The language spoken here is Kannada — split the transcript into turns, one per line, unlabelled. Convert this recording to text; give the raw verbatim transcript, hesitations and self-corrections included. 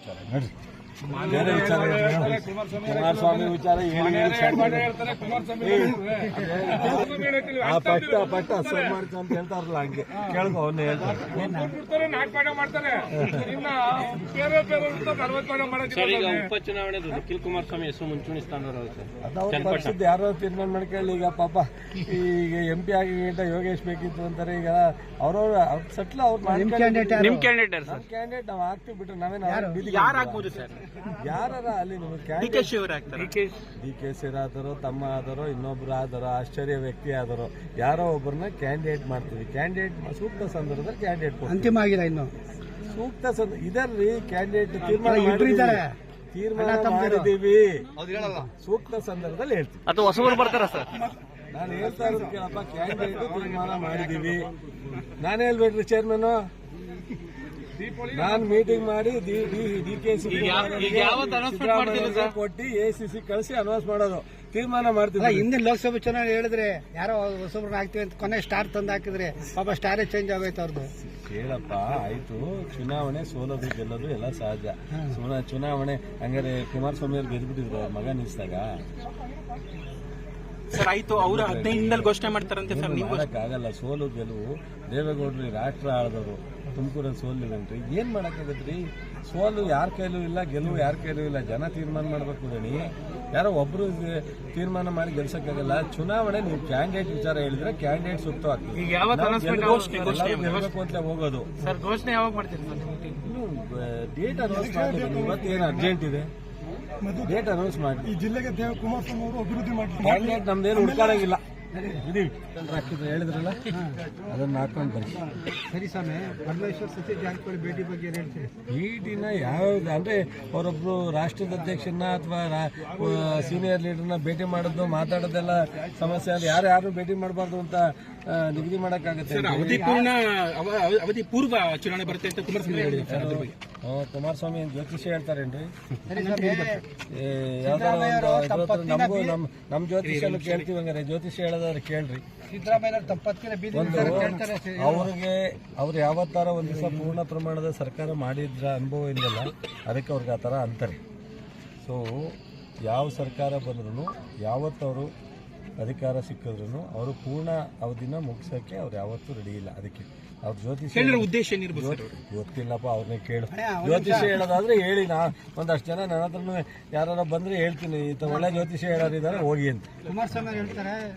ವಿಚಾರ ನಡ್ರಿ, ಬೇರೆ ವಿಚಾರ ಕುಮಾರಸ್ವಾಮಿ ವಿಚಾರ ಆ ಪಟ್ಟ ಪಟ್ಟ ಸರ್ ಮಾಡ್ತಾ ಅಂತ ಹೇಳ್ತಾರಲ್ಲ, ಹಂಗೆ ಕೇಳ್ಕೊ ಅವನ್ನ ಹೇಳ್ತಾರೆ.
ಉಪಚುನಾವಣೆ ನಿಖಿಲ್ ಕುಮಾರಸ್ವಾಮಿ ಹೆಸರು ಮುಂಚೂಣಿ ಸ್ಥಾನದವರು
ಪಕ್ಷದ ಯಾರೋ ತೀರ್ಮಾನ ಮಾಡ್ಕೊಳ್ಳಿ. ಈಗ ಪಾಪ ಈಗ ಎಂ ಪಿ ಆಗಿ ಯೋಗೇಶ್ ಬೇಕಿತ್ತು ಅಂತಾರೆ. ಈಗ ಅವ್ರವ್ರ ಸಟ್ಲ ಅವ್ರು
ನಿಮ್ ಕ್ಯಾಂಡಿಡೇಟ್
ನಮ್ಮ ಕ್ಯಾಂಡಿಡೇಟ್ ನಾವು ಹಾಕ್ತಿವಿ ಬಿಟ್ರೆ ನಾವೇನು
ಯಾರಾಗ್ಬೋದು ಸರ್?
ಯಾರ ಅಲ್ಲಿ
ಡಿ ಕೆ ಶಿ
ಡಿ ಕೆ ಶಿ ಆದರೋ, ತಮ್ಮ ಆದರೋ, ಇನ್ನೊಬ್ರು ಆದರೋ, ಆಶ್ಚರ್ಯ ವ್ಯಕ್ತಿ ಆದರೋ ಯಾರೋ ಒಬ್ಬರನ್ನ ಕ್ಯಾಂಡಿಡೇಟ್ ಮಾಡ್ತೀವಿ. ಕ್ಯಾಂಡಿಡೇಟ್ ಸೂಕ್ತ ಸಂದರ್ಭದಲ್ಲಿ ಕ್ಯಾಂಡಿಡೇಟ್
ಅಂತಿಮ ಆಗಿಲ್ಲ ಇನ್ನು
ಸೂಕ್ತ ಸಂದರ್ಭ ಇದರ್ರಿ ಕ್ಯಾಂಡಿಡೇಟ್ ತೀರ್ಮಾನ ತೀರ್ಮಾನ ಮಾಡಿದೀವಿ. ಸೂಕ್ತ ಸಂದರ್ಭದಲ್ಲಿ ಹೇಳ್ತೀವಿ.
ಅಥವಾ ಹೊಸಬರು ಬರ್ತಾರ ಸರ್?
ನಾನು ಹೇಳ್ತಾ ಇರೋದು ಕೇಳಪ್ಪ, ಕ್ಯಾಂಡಿಡೇಟ್ ತೀರ್ಮಾನ ಮಾಡಿದೀವಿ. ನಾನು ಹೇಳ್ಬೇಡ್ರಿ ಚೇರ್ಮನ್, ನಾನು ಮೀಟಿಂಗ್ ಮಾಡಿ ಡಿ ಕೆ ಸಿ ಕೊಟ್ಟು ಎ ಸಿ ಸಿ ಕಳಿಸಿ ಅನೌನ್ಸ್ ಮಾಡೋದು, ತೀರ್ಮಾನ ಮಾಡ್ತೀವಿ.
ಹಿಂದಿನ ಲೋಕಸಭೆ ಚುನಾವಣೆ ಹೇಳಿದ್ರೆ ಯಾರೋ ಹೊಸಬ್ರನ್ನ ಹಾಕ್ತಿವಿ ಅಂತ ಕೊನೆ ಸ್ಟಾರ್ ತಂದು ಹಾಕಿದ್ರೆ ಪಾಪ ಸ್ಟಾರೇ ಚೇಂಜ್ ಆಗೋಯ್ತು ಅವ್ರದ್ದು.
ಕೇಳಪ್ಪ, ಆಯ್ತು, ಚುನಾವಣೆ ಸೋಲೋದು ಗೆಲ್ಲೋದು ಎಲ್ಲ ಸಹಜ. ಚುನಾವಣೆ ಹಂಗಾರೆ ಕುಮಾರಸ್ವಾಮಿ ಅವ್ರು ಗೆದ್ಬಿಟ್ಟಿದ್ರು ಅವ್ರ ಮಗ ನಿಲ್ಸಿದಾಗ
ಸರ್. ಆಯ್ತು, ಅವರು ಹದಿನೈದರಲ್ಲಿ ಘೋಷಣೆ ಮಾಡ್ತಾರಂತೆ ಸರ್.
ಆಗಲ್ಲ, ಸೋಲು ಗೆಲುವು. ದೇವೇಗೌಡರು ರಾಷ್ಟ್ರ ಆಳಿದವರು, ತುಮಕೂರಲ್ಲಿ ಸೋಲಿಲ್ಲಂಟ್ರಿ, ಏನ್ ಮಾಡಕ್ಕಾಗತ್ರಿ? ಸೋಲು ಯಾರ ಕೈಲೂ ಇಲ್ಲ, ಗೆಲುವು ಯಾರ ಕೈಲೂ ಇಲ್ಲ. ಜನ ತೀರ್ಮಾನ ಮಾಡ್ಬೇಕು ದಣಿ. ಯಾರೋ ಒಬ್ರು ತೀರ್ಮಾನ ಮಾಡಿ ಗೆಲ್ಸಕ್ಕಾಗಲ್ಲ. ಚುನಾವಣೆ ನೀವು ಕ್ಯಾಂಡಿಡೇಟ್ ವಿಚಾರ ಹೇಳಿದ್ರೆ ಕ್ಯಾಂಡಿಡೇಟ್ ಸೂಕ್ತ ಆಗ್ತದೆ. ಗೆಲ್ಬೇಕು ಅಂತ ಹೋಗೋದು
ಸರ್. ಘೋಷಣೆ ಯಾವಾಗ ಮಾಡ್ತೀರಿ
ಡೇಟ್ ಅನೌನ್ಸ್ ಮಾಡ್ತೀವಿ. ಇವತ್ತೇನು ಅರ್ಜೆಂಟ್ ಇದೆ, ಡೇಟ್ ಅನೌನ್ಸ್ ಮಾಡಿ.
ಈ ಜಿಲ್ಲೆಗೆ ಕುಮಾರಸ್ವಾಮಿ ಅವರು ಅಭಿವೃದ್ಧಿ ಮಾಡಿ
ಕ್ಯಾಂಡಿಡೇಟ್ ನಮ್ದೇನು ಹುಡ್ಕಾಡಂಗಿಲ್ಲ. ಹೇಳಿದ್ರಲ್ಲ, ಅದನ್ನ ಹಾಕೊಂಡು ಬನ್ನಿ.
ಸರಿ ಸ್ವಾಮಿ, ಪರಮೇಶ್ವರ್ ಸತೀಶ್ ಜಾರಕಿಹೊಳಿ ಭೇಟಿ ಬಗ್ಗೆ ಹೇಳ್ತೀರಿ?
ಭೇಟಿನ ಯಾವ್ದು ಅಂದ್ರೆ ಅವರೊಬ್ರು ರಾಷ್ಟ್ರದ ಅಧ್ಯಕ್ಷರನ್ನ ಅಥವಾ ಸೀನಿಯರ್ ಲೀಡರ್ನ ಭೇಟಿ ಮಾಡೋದು, ಮಾತಾಡೋದೆಲ್ಲ ಸಮಸ್ಯೆ. ಅದು ಯಾರು ಯಾರು ಭೇಟಿ ಮಾಡಬಾರ್ದು ಅಂತ ನಿಗದಿ ಮಾಡಕ್ಕಾಗತ್ತೆ.
ಅವಧಿ ಪೂರ್ಣ ಅವಧಿ ಪೂರ್ವ ಚುನಾವಣೆ ಬರುತ್ತೆ ಅಂತ ಕುಮಾರಸ್ವಾಮಿ ಹೇಳಿದ್ರು.
ಕುಮಾರಸ್ವಾಮಿ ಜ್ಯೋತಿಷ್ಯ ಹೇಳ್ತಾರೇನ್ರಿ? ಯಾವ್ದಾದ್ರು ನಮಗೂ ನಮ್ ನಮ್ ಜ್ಯೋತಿಷ್ಯನು ಕೇಳ್ತೀವಿ. ಹಂಗಾರೆ ಜ್ಯೋತಿಷ್ಯ ಹೇಳೋದಾದ್ರೆ ಕೇಳ್ರಿ. ಅವ್ರಿಗೆ ಅವ್ರು ಯಾವತ್ತಾರ ಒಂದ್ ದಿವಸ ಪೂರ್ಣ ಪ್ರಮಾಣದ ಸರ್ಕಾರ ಮಾಡಿದ್ರ ಅನುಭವ ಇಲ್ಲಲ್ಲ, ಅದಕ್ಕೆ ಅವ್ರಿಗೆ ಆ ಥರ ಅಂತಾರೆ. ಸೊ ಯಾವ ಸರ್ಕಾರ ಬಂದ್ರು, ಯಾವತ್ತವರು ಅಧಿಕಾರ ಸಿಕ್ಕಿದ್ರು ಅವರು ಪೂರ್ಣ ಅವಧಿನ ಮುಗಿಸೋಕೆ ಅವ್ರು ಯಾವತ್ತೂ ರೆಡಿ ಇಲ್ಲ. ಅದಕ್ಕೆ ಅವ್ರ ಜ್ಯೋತಿಷ್ಯ
ಉದ್ದೇಶ
ಗೊತ್ತಿಲ್ಲಪ್ಪ, ಅವ್ರನ್ನೇ ಕೇಳು. ಜ್ಯೋತಿಷ್ಯ ಹೇಳೋದಾದ್ರೆ ಹೇಳಿ. ನಾ ಒಂದಷ್ಟು ಜನ ನನ್ನ ಹತ್ರನೂ ಯಾರು ಬಂದ್ರೆ ಹೇಳ್ತೀನಿ, ಒಳ್ಳೆ ಜ್ಯೋತಿಷ್ಯ ಹೇಳೋರಿದ್ದಾರೆ ಹೋಗಿ ಅಂತ.
ಕುಮಾರಸ್ವಾಮಿ ಹೇಳ್ತಾರೆ